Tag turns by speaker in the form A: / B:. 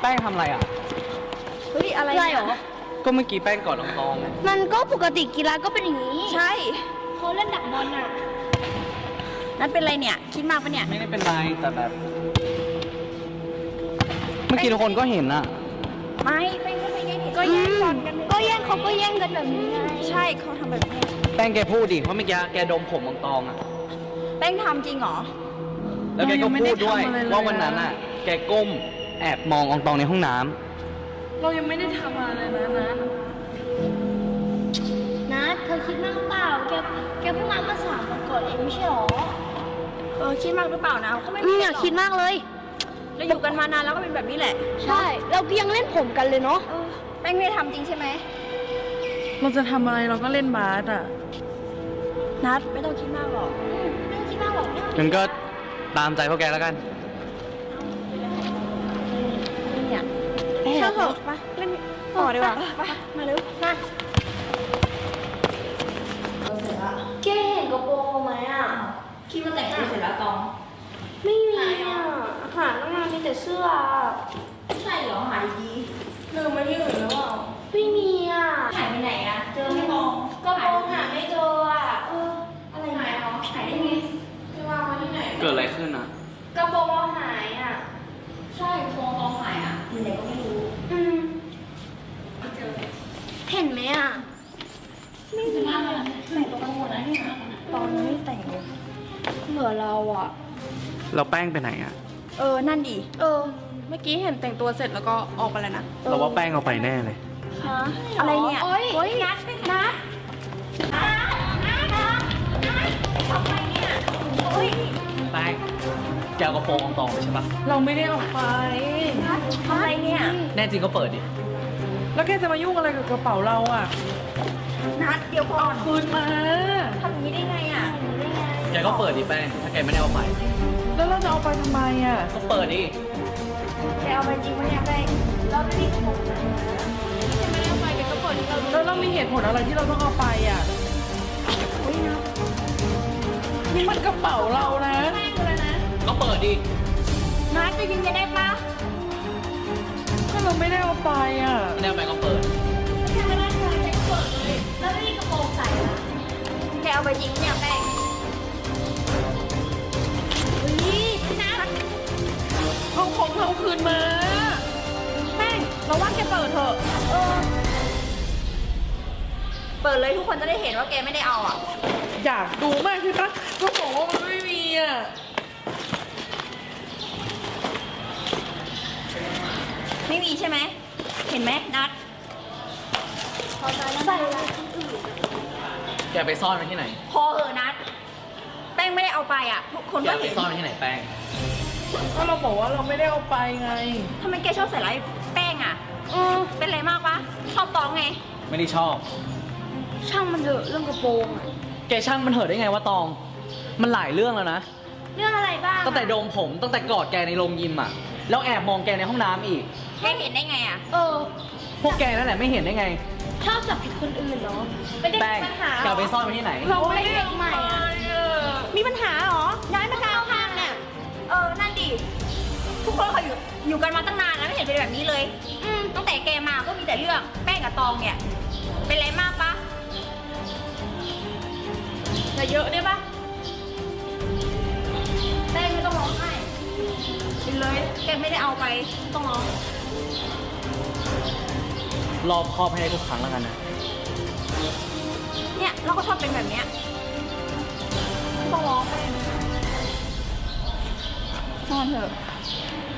A: แป้งทำอะไรอ่ะ
B: เฮ้ยอะไรเหรอ
A: ก็เมื่อกี้แป้งกอดตองไง
C: มันก็ปกติกีฬาก็เป็นอย่างนี้
B: ใช่
C: เขาเล่นดักบอลอ่ะ
B: นั่นเป็นไรเนี่ยคิดมากปะเนี่ย
A: ไม่ได้เป็นไรแต่แบบ เมื่อกี้ทุกคนก็เห็นอ่ะ
B: ไม่ไปก็ไปก็
C: ก็
B: แย่
C: แย่
B: ง
C: ง
B: บอลกัน
C: ก็แย่งเขาก็แย่งกันแบบนี้ไง
B: ใช่เขาทำแบบนี้
A: แป้งแกพูดดิเพราะเมื่อกี้แกดมผมตองอ่ะ
B: แป้งทำจริงเหรอ
A: แล้วแกก็พูดด้วยว่าวันนั้นอ่ะ แกก้มแอบมองตองในห้องน้ำ
D: เรายังไม่ได้ทำอะไรเลยนะ
C: นะเธอคิดมากเปล่าแกเพิ่งมาเมื่อ3 วันก่อนเองไม่ใช่หรอ
B: คิดมากหรือเปล่านะก็ไม่
C: อย่าคิดมากเลย
B: เราอยู่กันมานานแล้วก็เป็นแบบนี้แหละ
C: ใช่เราก็ยังเล่นผมกันเลยเนาะ
B: แป้งไม่ได้ทำจริงใช่ไหม
D: เราจะทำอะไรเราก็เล่นบาสอ่ะ
B: นัดไม่ต้องคิดมากหรอก
C: ไม่ต้องคิดมากหรอก
A: งั้นก็ตามใจพวกแกแล้วกัน
B: เนี่ย
C: ถ้าเถอะเล่นต่อดีกว่า
B: ไปมาเร็ว
C: มาแกเห็นกระโปรงไหมอ่ะ
B: คิดว่าแต่งตัวเสร็จแล้วตอง
C: ไม่มีอ่ะหาตั้งนานมีแต่เสื้อ
B: ใช่เหรอหายดี
D: ลืมมาที่อื่นหรือเปล่า
C: ไม่มีอ่ะ
B: หายไปไหนอะเจอไม่มอง
C: กระโปรงหาไม่เจออ่ะอะไร
B: หาย
C: เนี่ย
B: เหรอหายได้ไง
D: จะวางไว้ที่ไหน
A: เกิดอะไรขึ้นอ่ะ
C: กระโปรงเราหายอ่ะ
B: ใช่โครงตองหายอะอยู่ไหนก็ไม่รู้ ไม่เจอ
C: เห็นไหมอ่ะ
B: ไม่มีอะแต่งตัวกันหมดแล้วเนี่ยตอนนี้ไม่แต่งเลย
C: เหมือนเราอ่ะ
A: เราแป้งไปไหนอ่ะ
B: นั่นดิ
D: เมื่อกี้เห็นแต่งตัวเสร็จแล้วก็ออกไปแล้วนะ
A: เราว่าแป้งเอาไปแน่เลย
B: ฮะอะไรเนี่ย
C: โอ๊ยนัดนัด
B: ทำไมเนี่ยเฮ้ย
A: แป้งแกเอากระโปรงตองไปใช่ปะ
D: เราไม่ได้ออกไป
B: ทำไมเนี่ย
A: แน่จริงก็เปิดดิ
D: แล้วแกจะมายุ่งอะไรกับกระเป๋าเราอ่ะ
B: นัดเดี๋ยวก่อน
D: คืนมา
B: ทำอย่างนี้ได้ไงอะ
A: แกก็เปิดดิแป้ง ถ้าแกไม่ได้เอาไป
D: แล้วเราจะเอาไปทำไมอ่ะ
A: ก็เปิดดิ
B: แกเอาไปจริงปะเนี่ยแป้งเราไม่ได้ถูกนะ
D: แล้วเรามีเหตุผลอะไรที่เราต้องเอาไปอ่ะนี่มันกระเป๋าเรานะ
A: ก็เปิดดิ
B: นัดจะยิงจะได้ปะ
D: ก็เราไม่ได้เอาไปอ่ะ
A: ไม่ได้เอาไปก็เปิด
C: แล้วไม่มีกระโปรงใส่อ่ะ
B: แกเอาไปจริงปะเนี่ยแป้ง
D: เอาของเราคืนมา
B: แป้งเราว่าแกเปิดเถอะเปิดเลยทุกคนจะได้เห็นว่าแกไม่ได้เอาอ่ะ
D: อยากดูมากคือปะก็บอกว่ามันไม่มีอ่ะ
B: ไม่มีใช่ไหม เห็นไหมนัด
C: ใส่ละ
A: แกไปซ่อนไว้ที่ไหน
B: พอนัด แป้งไม่ได้เอาไปอ่ะทุกคน
A: แก
B: ก็
A: ไป
B: เห็น
A: ซ่อนไว้ที่ไหนแป้ง
D: ก็เราบอกว่าเราไม่ได้เอาไปไง
B: ทำไมแกชอบใส่ร้ายแป้งอ่ะเป็นไรมากปะชอบตองไง
A: ไม่ได้ชอบ
C: ช่างมันเถอะเรื่องกระโปรงอ่ะ
A: แกช่างมันเถอะได้ไงว่าตอง มันหลายเรื่องแล้วนะ
C: เรื่องอะไรบ้าง
A: ตั้งแต่โดมผม ตั้งแต่กอดแกในโรงยิมอ่ะ แล้วแอบมองแกในห้องน้ำอีก
B: แกเห็นได้ไงอ่ะ
A: พวกแกนั่นแหละไม่เห็นได้ไง
C: ชอบจับผิดคนอื่นเนาะไม่ได้
A: แป้ง
C: มีปัญหา
A: แกเอาไปซ่อนไว้ที่ไหน
D: เราไม่ได้เอาไปอ่ะ
C: มีปัญหาเหรอย้ายมาเข้าห้างเนี่ย
B: นั่นดิ ทุกคนเขาอยู่กันมาตั้งนานแล้วไม่เห็นเป็นแบบนี้เลย ตั้งแต่แกมาก็มีแต่เรื่องแป้งกับตองเนี่ย เป็นไรมากปะ
C: อย่าเยอะได้ปะ
B: แป้งไม่ต้องร้องไห้ไปเลยแกไม่ได้เอาไปต้องร้อง
A: รอบครอบให้ได้ทุกครั้งแล้วกันนะ
B: เนี่ยเราก็ชอบเป็นแบบเนี้ยต้องร้องไปนอนเถอะ